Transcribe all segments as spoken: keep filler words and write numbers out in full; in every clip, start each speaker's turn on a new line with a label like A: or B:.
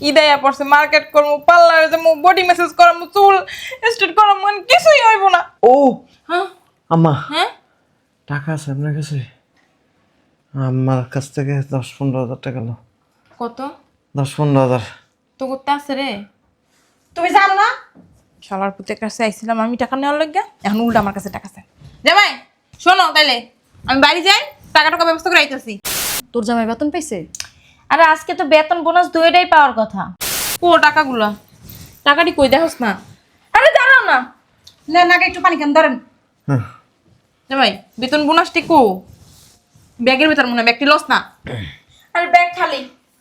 A: ইদায়া পড়ছে মার্কেট করবো, পার্লারে যাবো, বডি ম্যাসাজ করাবো, চুল স্ট্রেট করাবো, মানে কিছুই হইব না।
B: ও
A: হ্যাঁ
B: আম্মা,
A: হ্যাঁ
B: টাকা আছে আপনার কাছে? আমার কাছ থেকে দশ পনেরো হাজার টাকা লো।
A: কত?
B: দশ পনেরো হাজার।
A: তো করতে আছে রে।
C: তুমি জানো না
A: শালার পুতের কাছে আইছিলাম আমি টাকা নেওয়ার লাগিয়া, এখন উল্টা আমার কাছে টাকা চাই। জামাই শোনো, তাইলে আমি বাড়ি যাই, টাকা টাকা ব্যবস্থা করে আইতেছি।
C: তোর জামাই বেতন পাইছে?
D: আরে আজকে তো বেতন বোনাস দুইটাই পাওয়ার কথা।
A: ও টাকাগুলা, টাকাটি কই দেখোস না?
D: আরে দাঁড়াও না,
C: না নাকে একটু পানি খান ধরেন।
B: হ্যাঁ,
A: জামাই বেতন বোনাসটি কো? ব্যাগের ভেতর মনে হয়, ব্যাগটি লস না?
D: আরে ব্যাগ খালি।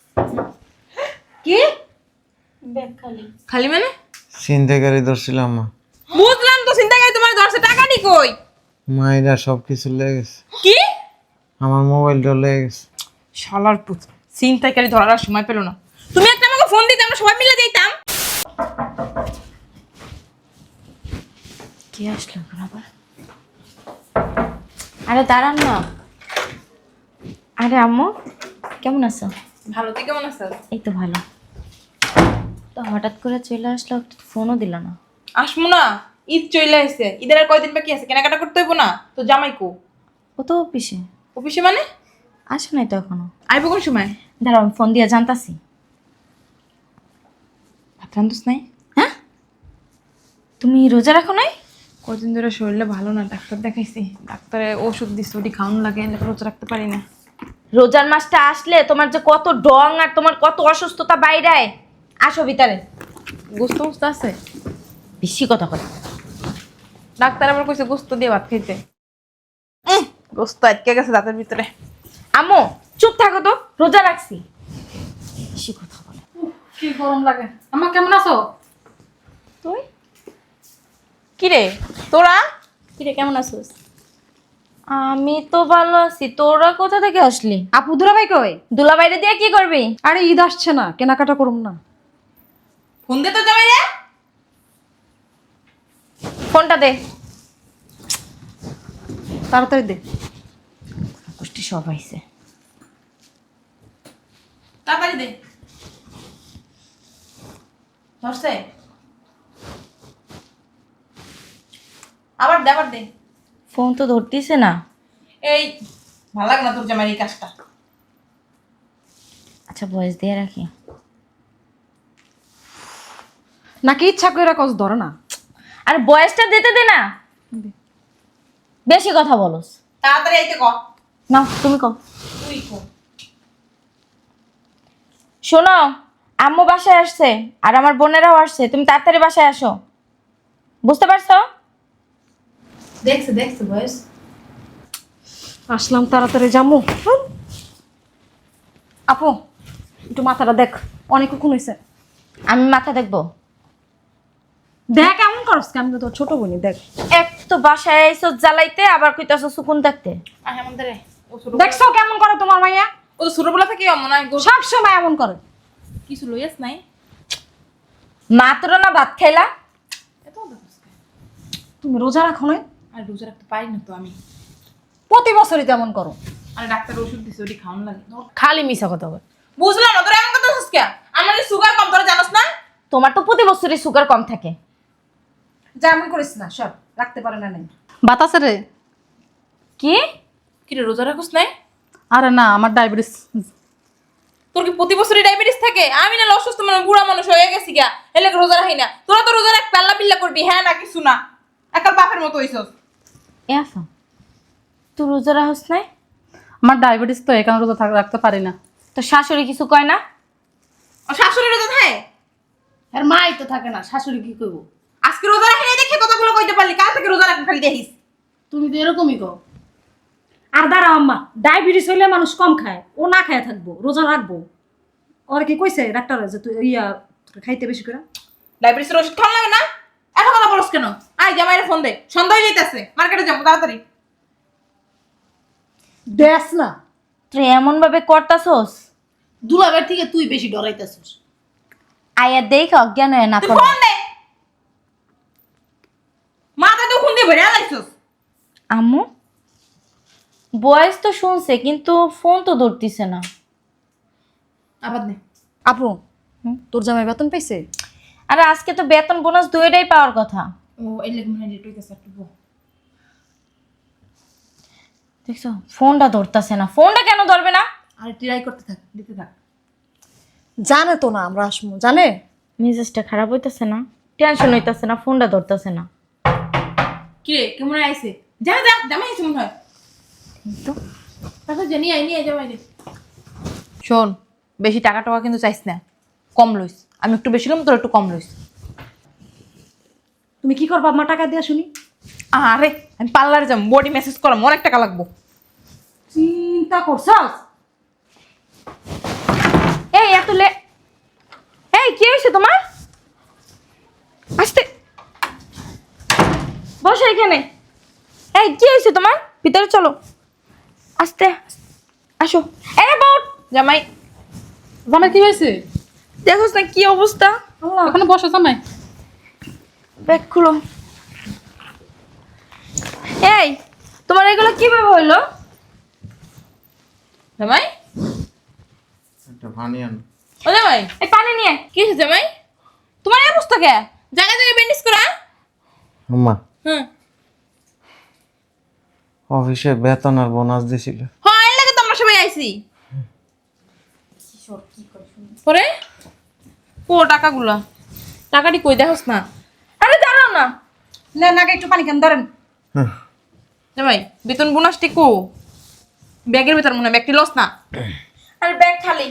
C: কি
D: ব্যাগ খালি
A: খালি মানে?
B: চিন্তাকারী ধরছিলাম আম্মা।
A: বুঝলাম তো, চিন্তা করি তোমার ধরছে, টাকাটি কই?
B: মায়েরা সব কিছু লেগে গেছে,
A: কি
B: আমার মোবাইলটা লেগে গেছে।
A: শালার পুত, চিন্তাকারী ধরার আর সময় পেলো না। তুমি একটা আমাকে ফোন দিতে, আমরা সবাই মিলে যাইতাম।
D: কি আসলো এখন আবার? আরে দাঁড়ান না। আরে আম্মু কেমন আছো?
A: ভালো, তুই কেমন আছিস?
D: এই তো ভালো। তো হঠাৎ করে চলে আসলো, একটা ফোনও দিল না।
A: আসমু না, ঈদ চলে আসছে, ঈদের আর কয়দিন বাকি আছে, কেনাকাটা করতে হইব না? তো জামাই কো?
D: ও তো অফিসে।
A: অফিসে মানে?
D: আসে নাই তো এখনো।
A: আইব কোন সময়?
D: দাঁড়াও আমি ফোন দিয়ে জানতাছি।
A: ভাত রান্ধুস নাই?
D: হ্যাঁ, তুমি রোজা রাখো নাই?
A: কদিন ধরে শরীরটা ভালো না, ডাক্তার দেখাইছি, ডাক্তারে ওষুধ দিচ্ছে, ওটি খাওয়ানো লাগে, এলে রোজা রাখতে পারি না।
D: রোজার মাসটা আসলে তোমার যে কত ডং আর তোমার কত অসুস্থতা বাইরায়। আসো ভিতরে।
A: গোস্ত মোস্ত আছে?
D: বেশি কথা কথা।
A: ডাক্তার আবার কইছে গোস্ত দিয়ে ভাত খাইতে। উম, গোস্ত আটকে গেছে দাঁতের ভিতরে।
D: আম্মু চুপ থাকো তো, রোজা রাখছি। বেশি কথা বলে।
C: কি গরম লাগে। আমার কেমন আছো?
D: তুই
A: কি রে তোরা?
D: কিরে কেমন আছিস? আমি তো ভালো আছি, তোরা কোথা থেকে আসলি?
C: আপু দুলাভাই কই?
D: দুলা বাইরে দিয়ে কি করবি?
C: আরে ঈদ আসছে না, কেনাকাটা করুম না।
A: ফোন দে তো জামাই রে।
D: ফোনটা দে।
C: তাড়াতাড়ি দে।
D: গোষ্ঠী সব আইছে।
A: তাড়াতাড়ি দে। ধরছে? আবার দে, আবার দে।
D: ফোন তো ধরতিছে না।
A: এই ভালো লাগে না তোর জামাই এই কাজটা।
D: আচ্ছা ভয়েস দিয়ে রাখি।
C: নাকি ইচ্ছা করে কস ধরে না?
D: আর বয়সটা দিতে দে না, বেশি কথা বলস।
A: তাড়াতাড়ি আইতে ক।
D: না তুমি কও।
A: তুই কো।
D: শোনো, আম্মু বাসায় আসছে আর আমার বোনেরাও আসছে, তুমি তাড়াতাড়ি বাসায় আসো। বুঝতে পারছো?
A: দেখছে দেখছে বয়স।
C: আসলাম তাড়াতাড়ি যামু। হুম। আপু একটু মাথাটা দেখ, অনেকক্ষণ হয়েছে।
D: আমি মাথা দেখবো?
C: দেখ এমন করস কেমন, তোর ছোট বোনই দেখ।
D: এক তো বাসায় আইসো জ্বালাইতে, আবার কইতাছো সুকুন থাকতে।
A: আয় আমাদের রে। ও ছোট
C: দেখছো কেমন করে তোমার মাইয়া?
A: ও তো ছোটবেলা থেকে মনে হয় গো-
C: সব সময় এমন করে।
A: কিছু লইয়াস নাই?
D: মাত্র না ভাত খাইলা।
A: এত দেখছ কে?
C: তুমি রোজা রাখো না?
A: আর রোজা রাখতে পারি না তো আমি।
C: প্রতি বছরই তেমন করো।
A: আর ডাক্তার ওষুধ দিছে, ওটি খাওয়ানো লাগে।
C: খালি মিশা কথা বল।
A: বুঝলাম না তোর এমন কথা হচ্ছে কে? আমার সুগার কম, তোরা জানোস না?
D: তোমার তো প্রতি বছরই সুগার কম থাকে।
C: যা এমন করিস না, সব রাখতে পারে না নাই।
E: বাতাসে রে।
D: কি?
A: কি রে রোজা রাখোস নাই?
E: আরে না, আমার ডায়াবেটিস।
A: তোর কি প্রতি বছরই ডায়াবেটিস থাকে? আমি না অসুস্থ মানে বুড়া মানুষ হয়ে গেছি গা, এলে রোজা রাখি না। তোরা তো রোজা রাখ পাল্লা পিল্লা করবি, হ্যাঁ না কিছু না, একাল বাপের মতো হইছস।
D: এ আফা, তুই রোজা রাখস নাই?
E: আমার ডায়াবেটিস তো এখানে রোজা থাক- রাখতে পারি না।
D: তো শাশুড়ি কিছু কয় না?
A: আর শাশুড়ি রোজা থাকে?
C: আর মাই তো থাকে না, শাশুড়ি কি করবো?
A: আজকে রোজা রাখি নাই দেখে কথাগুলো কইতে পারলি, কাল থেকে রোজা রাখবি খালি দেখিস।
C: তুমি তো এরকমই কও। আর দাঁড়া আম্মা, ডায়াবেটিস হইলে মানুষ কম খায়, ও না খায় থাকবো, রোজা রাখবো। ওর কি কইছে ডাক্তার যে তুই ইয়া তোকে খাইতে বেশি করে?
A: ডায়াবেটিসের ওষুধ খাওয়া লাগে না? এত কথা বলস কেন? আয় জামাইরে ফোন দে, সন্ধ্যা হয়ে যাইতাছে, মার্কেটে যাবো তাড়াতাড়ি।
C: দেশ না
D: তুই এমন ভাবে করতাছস,
F: দুলাবের থেকে তুই বেশি ডরাইতেছিস।
D: আয়া দেখ অজ্ঞান হয়ে না
A: তুই
D: পড়ে।
A: ফোন দে, মাথা তো খুন দিয়ে ভরে আলাইছস।
D: আম্মু বয়স তো শুনছে, কিন্তু ফোন তো ধরতিছে না।
A: আবার দে।
C: আপু তোর জামাই বেতন পাইছে?
D: আরে আজকে তো বেতন বোনাস দুইটাই পাওয়ার কথা।
A: ও এই লেগে মনে হয় লেট হইতেছে একটু বো।
D: দেখছো ফোনটা ধরতেছে না, ফোনটা কেন ধরবে না?
A: আর ট্রাই করতে থাক, দিতে থাক।
C: জানে তো না আমরা আসবো, জানে?
D: মেজাজটা খারাপ হইতেছে না, টেনশন হইতেছে না, ফোনটা ধরতেছে না।
A: কি রে কেমন আইছে? যা যা জামাই আইছে মনে হয়।
D: তো
A: তাহলে জানি আই নিয়ে জামাই রে। শোন, বেশি টাকা টাকা কিন্তু চাইছ না, কম লইস। আমি একটু বেশি লম, তোর একটু কম লইস।
C: তুমি কি করবা আম্মা টাকা দিয়া শুনি?
A: আরে আমি পার্লারে যাম, বডি মেসেজ করাম, অনেক টাকা লাগবো।
C: চিন্তা করছস?
D: এই এত লে এই কি হয়েছে তোমার? আসতে বসো এখানে। এই কি হয়েছে তোমার? ভিতরে চলো, আস্তে আসো। এই বাউট
A: জামাই
E: জামাই কি হয়েছে?
D: দেখোস না কি অবস্থা।
E: ওখানে বসো জামাই।
D: ব্যাগ খুলো। এই তোমার এগুলো কিভাবে হইলো?
A: জামাই
B: একটা পানি আন।
A: ও জামাই
D: এই পানি নিয়ে।
A: কি হয়েছে জামাই? তোমার এই অবস্থা কে? জায়গায় জায়গায় ব্যান্ডেজ করা।
B: আম্মা
A: হুম
B: অফিসে বেতন আর বোনাস দিছিল।
A: হ্যাঁ এর লাগে তো আমরা সবাই আইছি। পরে ও টাকাগুলা টাকাটি কই দেখোস না?
D: আরে দাঁড়াও না।
C: নেন আগে একটু পানি কেন ধরেন।
B: হ্যাঁ,
A: জামাই বেতন বোনাসটি কো? ব্যাগের ভিতর মনে হয়, ব্যাগটি লস না?
D: আরে ব্যাগ খালি।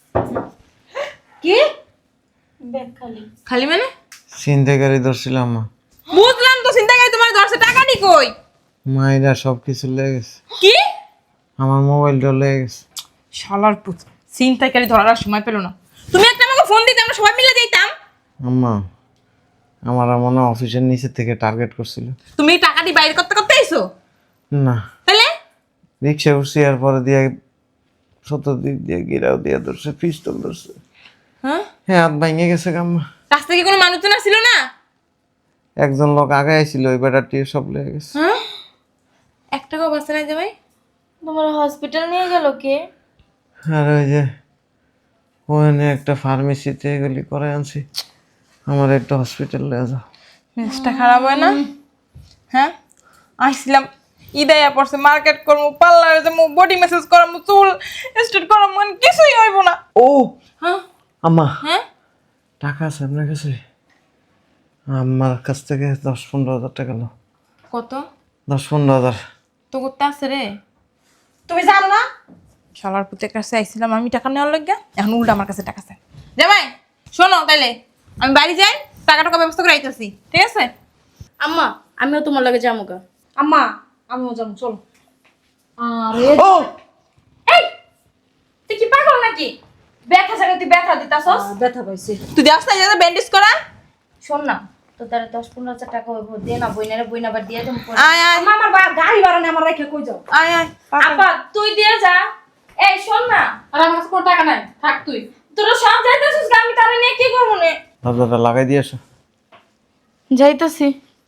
C: কি?
D: ব্যাগ খালি।
A: খালি মানে?
B: ছিনতাইকারী ধরছিলাম আম্মা।
A: বুঝলাম তো, চিন্তা করে তোমার ধরছে, টাকাটি কই?
B: মায়েরা সব কিছু লেগে গেছে,
A: কি
B: আমার মোবাইলটা লেগে গেছে।
A: শালার পুত, চিন্তাকারী ধরার আর সময় পেল না। তুমি একটা আমাকে ফোন দিতে, আমরা সবাই মিলে যাইতাম।
B: আম্মা আমার মনে হয় অফিসের নিচে থেকে টার্গেট করছিল।
A: তুমি এই টাকাটি বাইরে করতে করতে আইছো?
B: না,
A: তাহলে
B: রিক্সা উঠছি আর পরে দিয়ে চতুর্দিক দিয়ে গিরাও দিয়ে ধরছে, পিস্তল ধরছে।
A: হ্যাঁ
B: হ্যাঁ, হাত ভাঙে গেছে আম্মা।
A: রাস্তায় কি কোনো মানুষজন ছিল না?
B: একজন লোক আগে আইছিল, ওই বেটাটি সব লেগে গেছে।
A: হ্যাঁ এক টাকাও বাঁচে নাই জামাই।
D: তোমার হসপিটাল নিয়ে গেল কে?
B: আর ওই যে ওখানে একটা ফার্মেসিতে এগুলি করে আনছি, আমার একটা হসপিটাল নিয়ে যাও।
A: মেজাজটা খারাপ হয় না? হ্যাঁ আইছিলাম ইদায়া পড়ছে, মার্কেট করবো, পার্লারে যাবো, বডি মেসেজ করাবো, চুল স্ট্রেট করাবো, মানে কিছুই হইব না।
B: ও
A: হ্যাঁ
B: আম্মা,
A: হ্যাঁ
B: টাকা আছে আপনার কাছে? আমার কাছ থেকে দশ পনেরো হাজার টাকা লো।
A: কত?
B: দশ পনেরো হাজার
A: তো করতে আছে রে।
C: তুমি জানো না?
A: শালার পুতের কাছে আইছিলাম আমি টাকা নেওয়ার লাগিয়া, এখন উল্টা আমার কাছে টাকা চাই। জামাই শোনো, তাইলে আমি বাড়ি যাই, টাকা টাকা ব্যবস্থা করে আইতেছি, ঠিক আছে?
F: আম্মা আমিও তোমার লাগে যাবো গা।
C: আম্মা আমিও যাবো, চলো। আরে
B: ও
D: এই তুই কি পাগল নাকি? ব্যথা জায়গায় তুই ব্যথা দিতাছস?
C: ব্যথা পাইছি।
A: তুই যাস না যাতে ব্যান্ডেজ করা।
D: শোন না, তো তার দশ পনেরো হাজার টাকা হইব, দিয়ে না বইনারে বইনা আবার দিয়ে দেবো।
A: আয় আয়
C: আম্মা আমার বা- গাড়ি ভাড়া নেই, আমার রেখে কই যাও?
A: আয় আয়
D: আপা তুই দিয়ে যা। এই শোন না,
E: আর আমার কাছে কোনো টাকা নাই, থাক তুই।
D: তোরা সব যাইতেছিস, আমি তারে নিয়ে কি করবো নে?
B: দরজাটা লাগাই দিয়ে আসো।
D: যাইতেছি।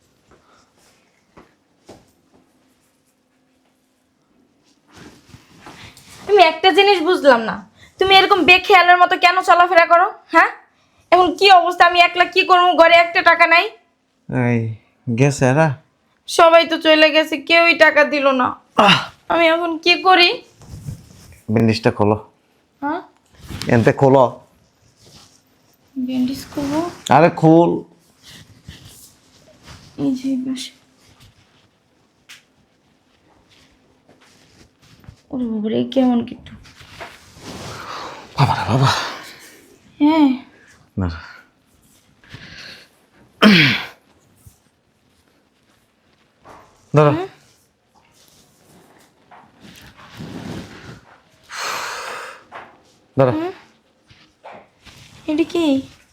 D: তুমি একটা জিনিস বুঝলাম না, তুমি এরকম বেখেয়ালের মতো কেন চলাফেরা করো? হ্যাঁ এখন কি অবস্থা, আমি একলা কি করবো, ঘরে একটা টাকা নাই।
B: এই গেছে এরা?
D: সবাই তো চলে গেছে, কেউই টাকা দিল না। আমি এখন কি করি?
B: ব্যান্ডেজটা খোলো,
D: হ্যাঁ
B: এনতে খোলো।
D: ব্যান্ডেজ করবো?
B: আরে খোল।
D: এই যে এই পাশে। ওরে বাবারে, কেমন কিন্তু।
B: বাবা রে বাবা।
D: হ্যাঁ
B: না ধরো। ধরো।
D: এটা কি?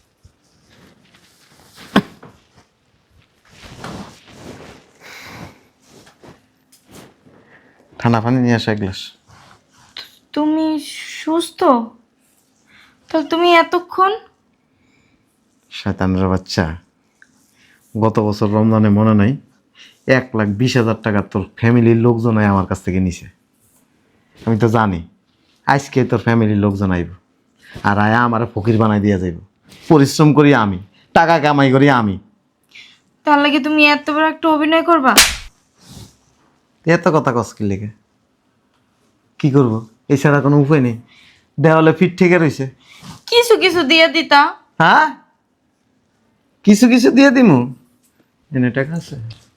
B: ঠান্ডা পানি নিয়ে আসো এক গ্লাস।
D: তুমি সুস্থ? তাহলে তুমি এতক্ষণ?
B: শয়তানের বাচ্চা, গত বছর রমজানে মনে নাই এক লাখ বিশ হাজার টাকা তোর ফ্যামিলির লোকজনাই আমার কাছ থেকে নিছে। আমি তো জানি আজকে তোর ফ্যামিলির লোকজন আইব, আর আয়া আমার ফকির বানাই দিয়া যাইব। পরিশ্রম করি আমি, টাকা কামাই করি আমি।
D: তার লাগে তুমি এত বড় একটা অভিনয় করবা?
B: এত কথা কস কি লেগে? কি করব? এছাড়া কোনো উপায় নেই। দেওয়ালে ফিট থেকে রয়েছে।
D: কিছু কিছু দিয়ে দিতা।
B: হ্যাঁ, কিছু কিছু দিয়ে দিমু। এনে টাকা আছে?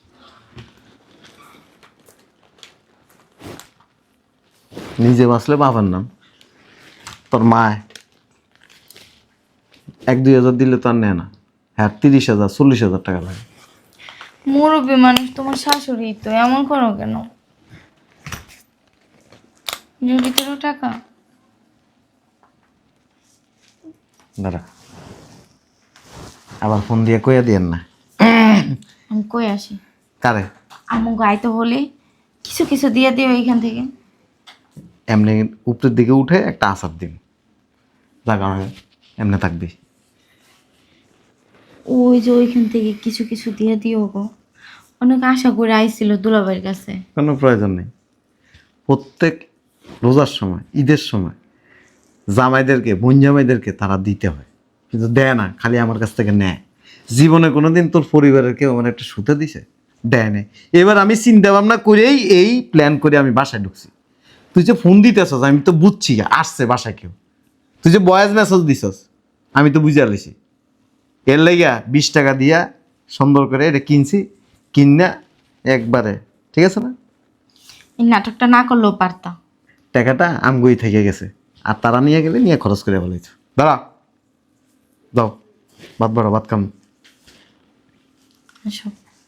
B: নিজে বাঁচলে বাবার নাম। তোর মায় এক দুই হাজার দিলে তো আর নেয় না। হ্যাঁ, তিরিশ হাজার চল্লিশ হাজার টাকা লাগে।
D: মুরব্বী মানুষ, তোমার শাশুড়ি তো, এমন করো কেন? যদি কোনো টাকা
B: দাঁড়া, আবার ফোন দিয়ে কইয়া দিয়েন না।
D: আমি কই আসি।
B: কারে?
D: আমু গাইতে হলে কিছু কিছু দিয়ে দিও এইখান থেকে।
B: এমনি উপরের দিকে উঠে একটা আসার দিন লাগানো, এমনি থাকবি।
D: ওই যে ওইখান থেকে কিছু কিছু দিয়ে দিও গো। অনেক আশা করে আইছিল দুলাভাইয়ের কাছে।
B: কোনো প্রয়োজন নেই। প্রত্যেক রোজার সময়, ঈদের সময় জামাইদেরকে, বোন জামাইদেরকে তারা দিতে হয়, কিন্তু দেয় না, খালি আমার কাছ থেকে নেয়। জীবনে কোনোদিন তোর পরিবারের কেউ আমার একটা সুতে দিছে? দেয় নেই। এবার আমি চিন্তা ভাবনা করেই এই প্ল্যান করে আমি বাসায় ঢুকছি। তুই যে ফোন দিতেছস আমি তো বুঝছি আসছে বাসায় কেউ। তুই যে ভয়েস মেসেজ দিছস আমি তো বুঝে আলিছি। এর লাইগা বিশ টাকা দিয়া সুন্দর করে এটা কিনছি, কিনা একবারে, ঠিক আছে না?
D: এই নাটকটা না করলেও পারতা।
B: টাকাটা আমগুই থেকে গেছে, আর তারা নিয়ে গেলে নিয়ে খরচ করে বলেছ। দাঁড়া, দাও ভাত বাড়া, ভাত খাম।
D: এসব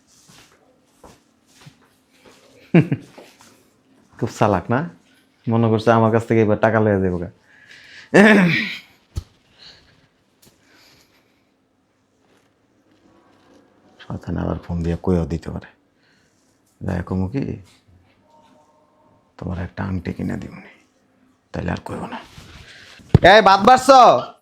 B: খুব চালাক না? মনে করছে আমার কাছ থেকে এবার টাকা লেগে যাবো। শয়তান আবার ফোন দিয়ে কইও দিতে পারে। যাই কমু কি, তোমার একটা আংটি কিনে দিবনি, তাইলে আর কইব না। এই ভাত বাড়ছ?